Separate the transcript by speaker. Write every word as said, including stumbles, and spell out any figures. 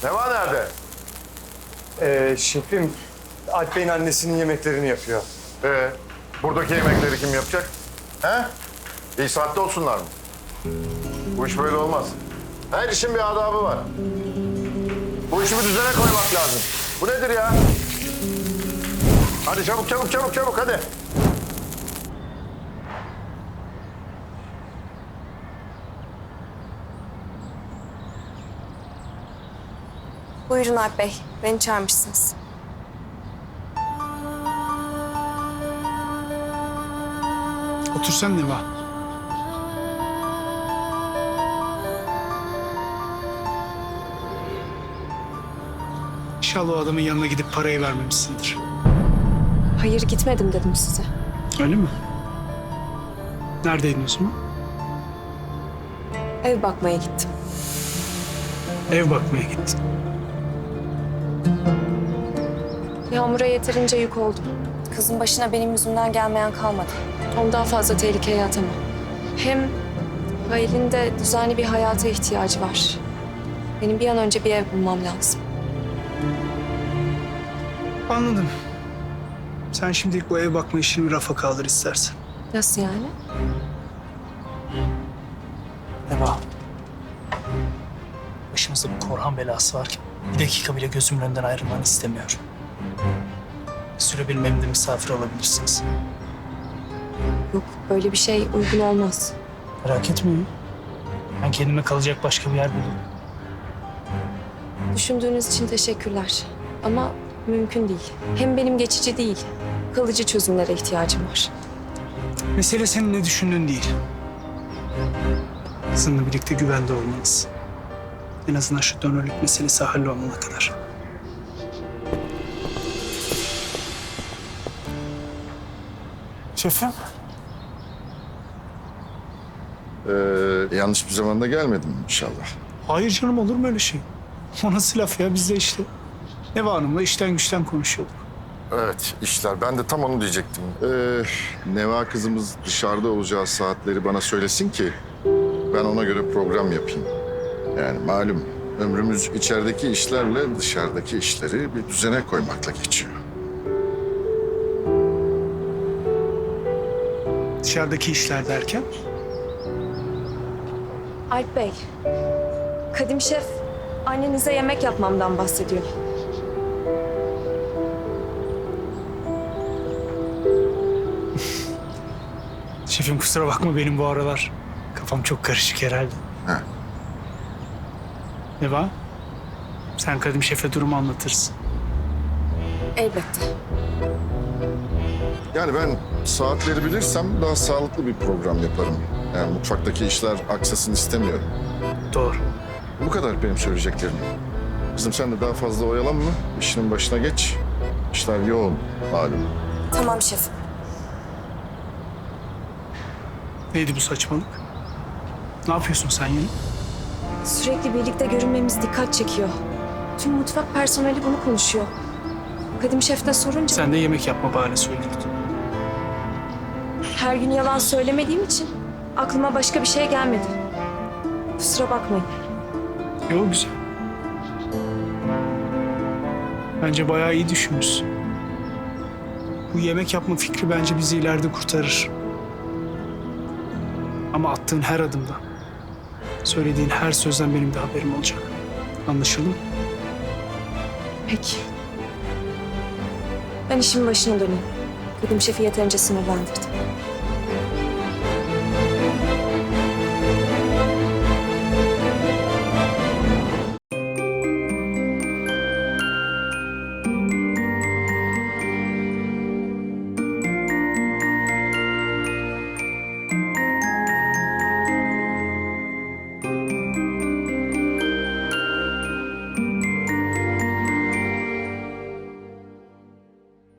Speaker 1: Neva nerede?
Speaker 2: Ee, şefim, Alp Bey'in annesinin yemeklerini yapıyor.
Speaker 1: Ee, buradaki yemekleri kim yapacak? He? İyi saatte olsunlar mı? Bu iş böyle olmaz. Her işin bir adabı var. Bu işi bir düzene koymak lazım. Bu nedir ya? Hadi çabuk çabuk çabuk çabuk hadi.
Speaker 3: Buyurun Alp Bey, beni çağırmışsınız.
Speaker 4: Otursan Neva. İnşallah o adamın yanına gidip parayı vermemişsindir.
Speaker 3: Hayır gitmedim dedim size.
Speaker 4: Öyle mi? Neredeydin o zaman?
Speaker 3: Ev bakmaya gittim.
Speaker 4: Ev bakmaya gittin.
Speaker 3: Yağmur'a yeterince yük oldum. Kızın başına benim yüzümden gelmeyen kalmadı. Onu daha fazla tehlikeye atamam. Hem Halil'in de düzenli bir hayata ihtiyacı var. Benim bir an önce bir ev bulmam lazım.
Speaker 4: Anladım. Sen şimdilik bu ev bakma işini bir rafa kaldır istersen.
Speaker 3: Nasıl yani?
Speaker 5: Neva. Başımızda bir Korhan belası varken bir dakika bile gözümün önünden ayrılmanı istemiyorum. Bir süre benim evimde misafir olabilirsiniz.
Speaker 3: Yok, böyle bir şey uygun olmaz.
Speaker 5: Merak etmeyin. Ben kendime kalacak başka bir yer bulurum.
Speaker 3: Düşündüğünüz için teşekkürler. Ama mümkün değil. Hem benim geçici değil, kalıcı çözümlere ihtiyacım var.
Speaker 4: Mesele senin ne düşündüğün değil. Kızınla birlikte güvende olmanız. En azından şu dönörlük meselesi hallolana kadar.
Speaker 5: Şefim.
Speaker 1: Ee, yanlış bir zamanda gelmedim inşallah.
Speaker 4: Hayır canım, olur mu öyle şey? O nasıl laf ya? Biz de işte Neva Hanım'la işten güçten konuşuyorduk.
Speaker 1: Evet işler. Ben de tam onu diyecektim. Ee, Neva kızımız dışarıda olacağı saatleri bana söylesin ki ben ona göre program yapayım. Yani malum ömrümüz içerideki işlerle dışarıdaki işleri bir düzene koymakla geçiyor.
Speaker 4: Dışarıdaki işler derken?
Speaker 3: Alp Bey, Kadim Şef annenize yemek yapmamdan bahsediyor.
Speaker 4: Şefim kusura bakma, benim bu aralar kafam çok karışık herhalde.
Speaker 1: He.
Speaker 4: Neva, sen Kadim Şef'e durumu anlatırsın.
Speaker 3: Elbette.
Speaker 1: Yani ben saatleri bilirsem daha sağlıklı bir program yaparım. Yani mutfaktaki işler aksasın istemiyorum.
Speaker 4: Doğru.
Speaker 1: Bu kadar benim söyleyeceklerim. Kızım sen de daha fazla oyalanma. İşinin başına geç. İşler yoğun malum.
Speaker 3: Tamam şef.
Speaker 4: Neydi bu saçmalık? Ne yapıyorsun sen yine?
Speaker 3: Sürekli birlikte görünmemiz dikkat çekiyor. Tüm mutfak personeli bunu konuşuyor. Kadim Şef de sorunca
Speaker 4: Sen de yemek yapma bahanesi uydurdun.
Speaker 3: her gün yalan söylemediğim için aklıma başka bir şey gelmedi. Kusura bakmayın.
Speaker 4: Yok, güzel. Bence bayağı iyi düşünmüşsün. Bu yemek yapma fikri bence bizi ileride kurtarır. Ama attığın her adımda, söylediğin her sözden benim de haberim olacak. Anlaşıldı mı?
Speaker 3: Peki. Ben işimin başına döneyim. Kadim Şef'i yeterince sinirlendirdim.